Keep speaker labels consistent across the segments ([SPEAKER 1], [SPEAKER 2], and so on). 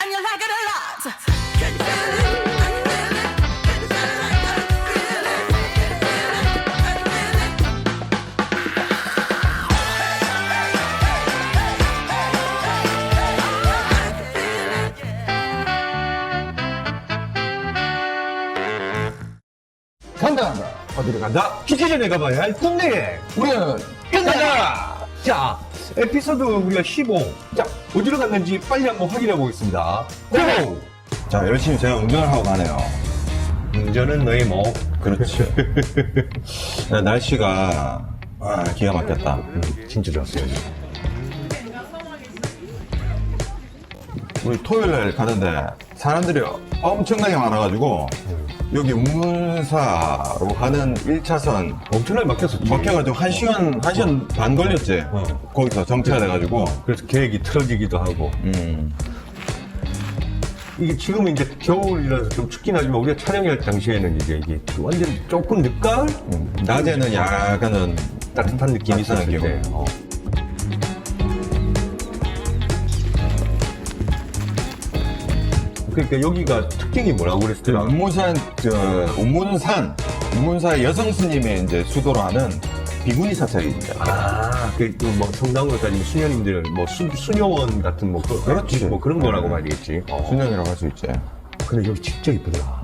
[SPEAKER 1] and you like it a lot. Can you feel it? Can you feel it? Can you feel it? Can you feel it? Can you feel it?
[SPEAKER 2] 간다.
[SPEAKER 3] 어디로 간다? 기기 전에 가봐야 할 동네.
[SPEAKER 2] 우리는
[SPEAKER 3] 간다! 자, 에피소드 우리가 15. 자, 어디로 갔는지 빨리 한번 확인해 보겠습니다. 고!
[SPEAKER 4] 자, 열심히 제가 운전을 하고 가네요.
[SPEAKER 3] 운전은 너의 목.
[SPEAKER 4] 그렇죠. 날씨가 기가 막혔다.
[SPEAKER 3] 진짜 좋았어요.
[SPEAKER 4] 우리 토요일 날 가는데 사람들이 엄청나게 많아가지고 여기 우문사로 가는 1차선
[SPEAKER 3] 엄청나게 막혔었지.
[SPEAKER 4] 막혀가지고 1시간 반 걸렸지. 거기서 정체가 돼가지고.
[SPEAKER 3] 그래서 계획이 틀어지기도 하고. 이게 지금은 이제 겨울이라서 좀 춥긴 하지만 우리가 촬영할 당시에는 이제 이게 완전 조금 늦가을?
[SPEAKER 4] 낮에는 약간은
[SPEAKER 3] 따뜻한 느낌이
[SPEAKER 4] 따뜻한
[SPEAKER 3] 있었을 때.
[SPEAKER 4] 느낌.
[SPEAKER 3] 그러니까 여기가 특징이 뭐라고 그랬더라?
[SPEAKER 4] 우문사의 여성 스님의 이제 수도로 하는 비구니 사찰입니다.
[SPEAKER 3] 뭐 성당으로 따지면 수녀님들, 뭐 수녀원 같은 뭐,
[SPEAKER 4] 그렇지.
[SPEAKER 3] 뭐 그런 거라고 말이겠지.
[SPEAKER 4] 수녀이라고 할 수 있지.
[SPEAKER 3] 근데 여기 진짜 이쁘더라.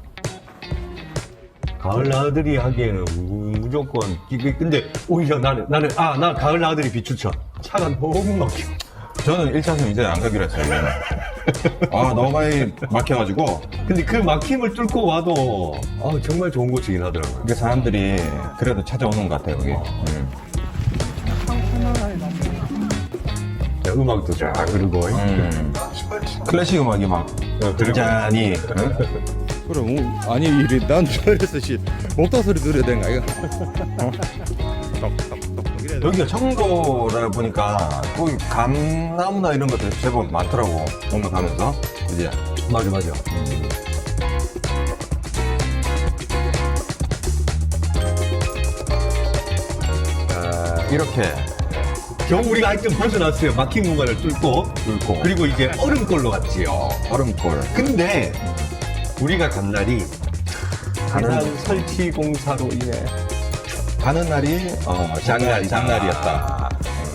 [SPEAKER 3] 가을 나들이 하기에는 무조건, 근데 오히려 나 가을 나들이 비추천. 차가 너무 막혀.
[SPEAKER 4] 저는 1차선 이제 안 가기로 했어요. 너무 많이 막혀가지고.
[SPEAKER 3] 근데 그 막힘을 뚫고 와도, 정말 좋은 곳이긴 하더라고요.
[SPEAKER 4] 이게 사람들이 그래도 찾아오는 것 같아요, 여기.
[SPEAKER 3] 자, 음악도 쫙 그러고.
[SPEAKER 4] 클래식 음악이 막 잔잔히.
[SPEAKER 5] 그럼 아니 이래 난 저래서 목다 소리 들어야 되는 거 아이가?
[SPEAKER 4] 여기가 청도라 보니까 거기 감나무나 이런 것들 제법 많더라고. 뭔가 가면서. 그지?
[SPEAKER 3] 맞아.
[SPEAKER 4] 이렇게.
[SPEAKER 3] 겨우 우리가 하여튼 벗어났어요. 막힌 공간을 뚫고. 그리고 이제 얼음골로 갔지요.
[SPEAKER 4] 얼음골.
[SPEAKER 3] 근데 우리가 간 날이 가난 설치 공사로 인해
[SPEAKER 4] 가는 날이 장날이었다.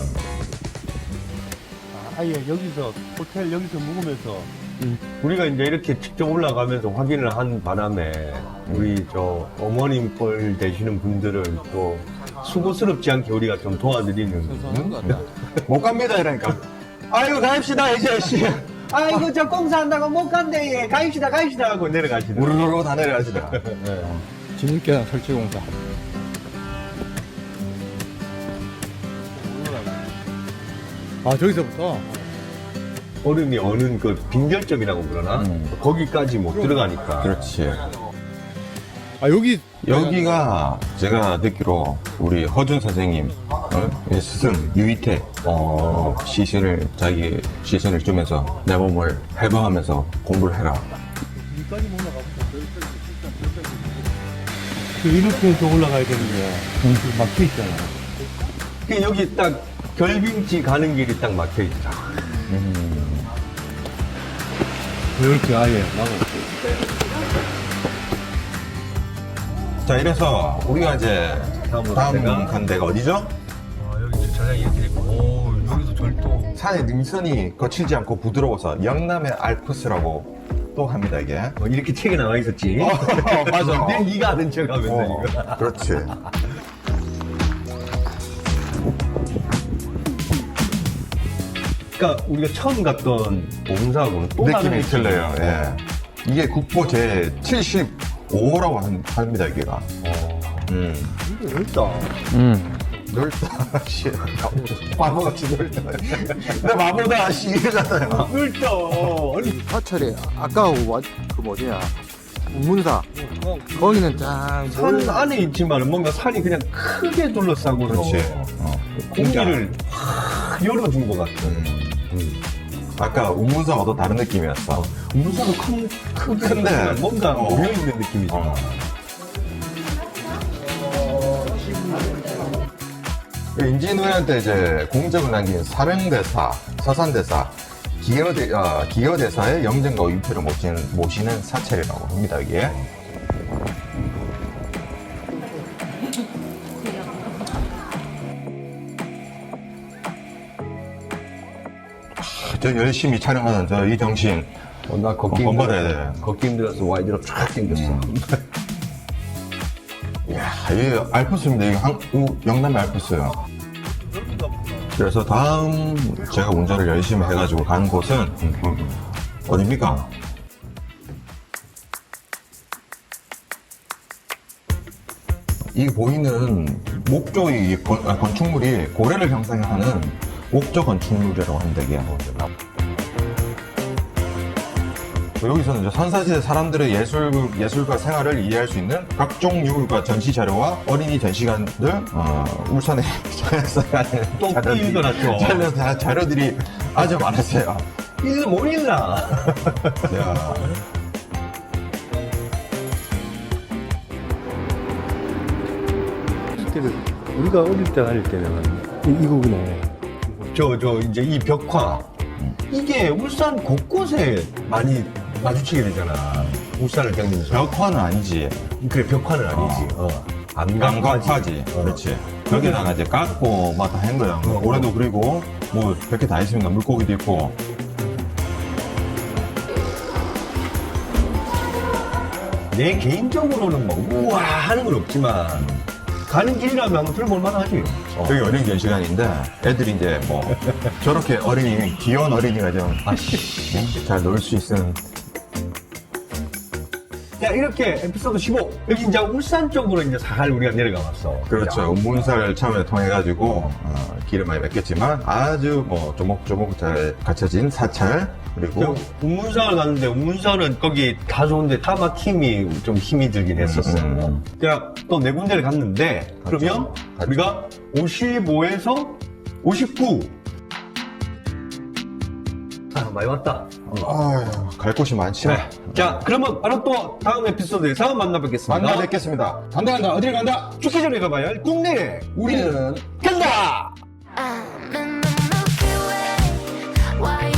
[SPEAKER 3] 아예 여기서 호텔 여기서 묵으면서 우리가 이제 이렇게 직접 올라가면서 확인을 한 바람에 우리 저 어머님 뻘 되시는 분들을 또 수고스럽지 않게 우리가 좀 도와드리는
[SPEAKER 4] 못 갑니다 이러니까.
[SPEAKER 3] 아이고 가입시다 이제 씨. 아이고 저 공사한다고 못 간대. 가입시다 하고 내려가시더라고요.
[SPEAKER 4] 우르르 다 내려가시더라.
[SPEAKER 5] 진입계단 설치공사. 저기서부터
[SPEAKER 3] 얼음이 어는 그 빙결점이라고 그러나 거기까지 못 들어가니까.
[SPEAKER 4] 그렇지.
[SPEAKER 5] 여기가
[SPEAKER 4] 제가 듣기로 우리 허준 선생님 스승 유이태 자기 시신을 주면서 내 몸을 해방하면서 공부를 해라.
[SPEAKER 3] 이렇게 해서 올라가야 되는데 막혀 있잖아. 여기 딱 결빙지 가는 길이 딱 막혀 있다. 이렇게 아예 나고.
[SPEAKER 4] 자, 이래서 우리가 이제 다음 간 데가 어디죠?
[SPEAKER 3] 여기 주차장이 이렇게 있고, 오, 여기서 절도.
[SPEAKER 4] 산의 능선이 거칠지 않고 부드러워서 영남의 알프스라고 또 합니다, 이게.
[SPEAKER 3] 이렇게 책에 나와 있었지.
[SPEAKER 4] 맞아.
[SPEAKER 3] 내 네가 아는 척 하면서 이거.
[SPEAKER 4] 그렇지.
[SPEAKER 3] 그러니까 우리가 처음 갔던 오문사하고는 또 다른
[SPEAKER 4] 느낌이 틀려요. 예. 이게 국보 제 75호라고 합니다, 여기가.
[SPEAKER 3] 이게 넓다.
[SPEAKER 4] 넓다, 씨. 바보같이 넓다. 근데 바보다, 씨. 이러잖아요.
[SPEAKER 3] 넓다. 아니,
[SPEAKER 5] 사찰이 아까 그 뭐냐 우문사 거기는 짱
[SPEAKER 3] 산 안에 있지만 뭔가 산이 그냥 크게 둘러싸고
[SPEAKER 4] 그렇지.
[SPEAKER 3] 공기를 확 열어준 것 같은.
[SPEAKER 4] 아까 우문사와도 다른 느낌이었어.
[SPEAKER 3] 우문사도 큰데 뭔가
[SPEAKER 4] 어.
[SPEAKER 3] 모여있는 느낌이지.
[SPEAKER 4] 임진왜란 때 이제 공적을 남긴 사명대사, 서산대사, 기여대사의 영정과 위패를 모시는 사찰이라고 합니다, 이게. 저 열심히 촬영하는 저 이 정신.
[SPEAKER 3] 나 걷기
[SPEAKER 4] 본받아야
[SPEAKER 3] 힘들어서,
[SPEAKER 4] 돼.
[SPEAKER 3] 걷기 힘들어서 와이드로 쫙 당겼어.
[SPEAKER 4] 이야, 이게 알프스입니다. 이게 영남의 알프스요. 그래서 다음 제가 운전을 열심히 해가지고 가는 곳은 어디입니까? 이 보이는 목조 이 건축물이 고래를 형상하는 목조 건축물이라고 합니다. 이게. 여기서는 이제 선사시대 사람들의 예술과 생활을 이해할 수 있는 각종 유물과 전시 자료와 어린이 전시관들, 울산에
[SPEAKER 3] 또 읽어놨죠.
[SPEAKER 4] 자료들이 아주 많았어요.
[SPEAKER 3] 이거 못 읽나?
[SPEAKER 4] 야,
[SPEAKER 5] 우리가 어릴 때 다닐 때는 이거구나.
[SPEAKER 3] 이제 이 벽화. 이게 울산 곳곳에 많이 마주치게 되잖아. 울산을 겪으면서.
[SPEAKER 4] 벽화는 아니지.
[SPEAKER 3] 그래, 벽화는 아니지.
[SPEAKER 4] 안각화지. 그렇지. 벽에다가 이제 깎고 막 다 한 거야. 고래도 그리고 뭐 별게 다 있습니다. 물고기도 있고.
[SPEAKER 3] 내 개인적으로는 뭐, 우와 하는 건 없지만, 가는 길이라면 한번 들어볼 만하지.
[SPEAKER 4] 여기 어린이 전시관인데 애들이 이제 뭐 저렇게 귀여운 어린이가 좀 잘 놀 수 있는.
[SPEAKER 3] 자, 이렇게 에피소드 15. 여기 이제 울산 쪽으로 이제 살 우리가 내려가 봤어.
[SPEAKER 4] 그렇죠. 운문사를 처음에 통해가지고 길을 많이 맺겠지만 아주 뭐 조목조목 잘 갖춰진 사찰. 그리고
[SPEAKER 3] 운문산을 갔는데, 운문산은 거기 다 좋은데 다 막힘이 좀 힘이 들긴 했었어요. 그냥 또 네 군데를 갔는데, 그러면 우리가 55에서 59. 아, 많이 왔다.
[SPEAKER 4] 아휴, 갈 곳이 많지.
[SPEAKER 3] 그래. 자, 그러면 바로 또 다음 에피소드에서 만나뵙겠습니다.
[SPEAKER 4] 만나 뵙겠습니다.
[SPEAKER 2] 간다. 어딜 간다?
[SPEAKER 3] 죽기 전에 가봐야 할 국내.
[SPEAKER 2] 우리는
[SPEAKER 3] 간다!
[SPEAKER 1] I'm in the Milky Way. Why